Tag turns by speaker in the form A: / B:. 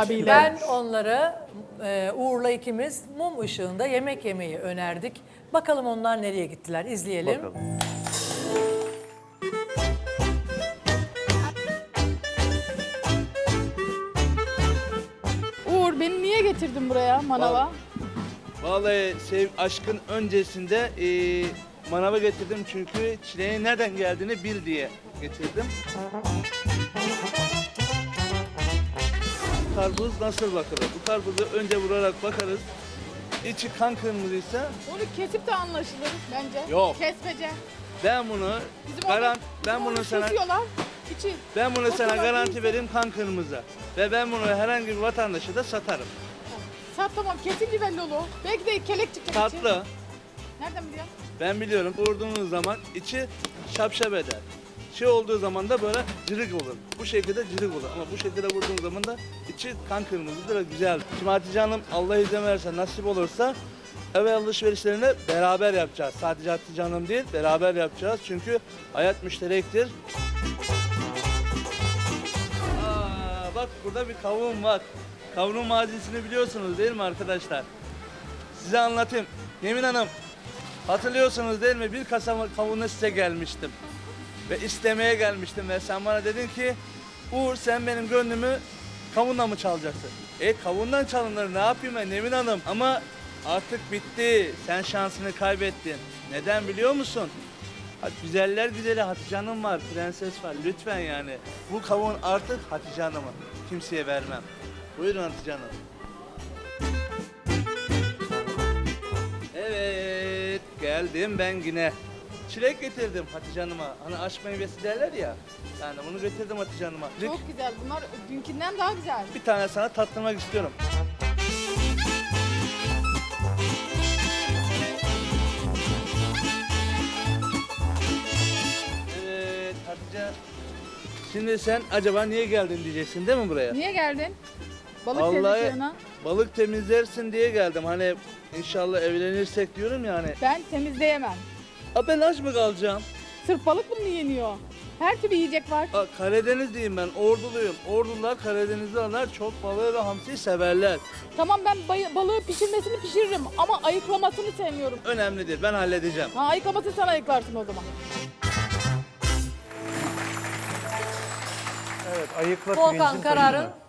A: abiyle.
B: Ben onlara Uğur'la ikimiz mum ışığında yemek yemeyi önerdik. Bakalım onlar nereye gittiler, izleyelim.
C: Bakalım.
A: Uğur beni niye getirdin buraya manava?
D: Vallahi aşkın öncesinde manava getirdim çünkü çileğin nereden geldiğini bil diye getirdim. Karpuz nasıl bakılır? Bu karpuzu önce vurarak bakarız. İçi kan kırmızıysa
A: Onu kesip de anlaşılır bence.
D: Yok.
A: Kesmece.
D: ben bunu
A: Bizim orada- bizim orada kesiyorlar. İçi.
D: ben bunu sana
A: Oturmak
D: garanti
A: değilse-
D: vereyim kan kırmızı. Ve ben bunu herhangi bir vatandaşa da satarım.
A: Sat tamam kesince belli olur. Belki de kelek çıkacak içi.
D: Tatlı.
A: Nereden biliyorsun?
D: Ben biliyorum vurduğunuz zaman içi şapşap eder. Şey olduğu zaman da böyle cırık olur. Bu şekilde cırık olur ama bu şekilde vurduğunuz zaman da içi kan kırmızıdır ve güzel. Şimdi Hatice Hanım Allah izin verirse nasip olursa ev alışverişlerini beraber yapacağız. Sadece Hatice Hanım değil beraber yapacağız çünkü hayat müşterektir. Bak burada bir kavun var. Kavunun mazisini biliyorsunuz değil mi arkadaşlar? Size anlatayım. Yemin Hanım hatırlıyorsunuz değil mi? Bir kasa kavunla size gelmiştim. Ve istemeye gelmiştim ve sen bana dedin ki Uğur sen benim gönlümü kavunla mı çalacaksın? Kavundan çalınır ne yapayım ben Nevin Hanım? Ama artık bitti. Sen şansını kaybettin. Neden biliyor musun? Güzeller güzeli Hatice Hanım var, prenses var. Lütfen yani. Bu kavun artık Hatice Hanım'ın. Kimseye vermem. Buyurun Hatice Hanım. Evet, geldim ben yine. Çilek getirdim Hatice Hanım'a. Hani aşk meyvesi derler ya. Yani bunu getirdim Hatice Hanım'a.
A: Çok güzel. Bunlar dünkünden daha güzel.
D: Bir tane sana tattırmak istiyorum. Evet Hatice. Şimdi sen acaba niye geldin diyeceksin değil mi buraya?
A: Niye geldin? Balık
D: Vallahi
A: temizliğine.
D: balık temizlersin diye geldim. Hani inşallah evlenirsek diyorum yani.
A: Ben temizleyemem.
D: Ben aç mı kalacağım?
A: Sırf balık mı yeniyor? Her türlü yiyecek var.
D: Karadenizliyim ben, Orduluyum. Ordular, Karadenizliler çok balığı ve hamsiyi severler.
A: Tamam ben balığı pişirmesini pişiririm ama ayıklamasını sevmiyorum.
D: Önemli değil, ben halledeceğim.
A: Ha ayıklamasını sen ayıklarsın o zaman.
C: Evet, ayıkla
B: Volkan
C: pirincin
B: kararın
C: taşını.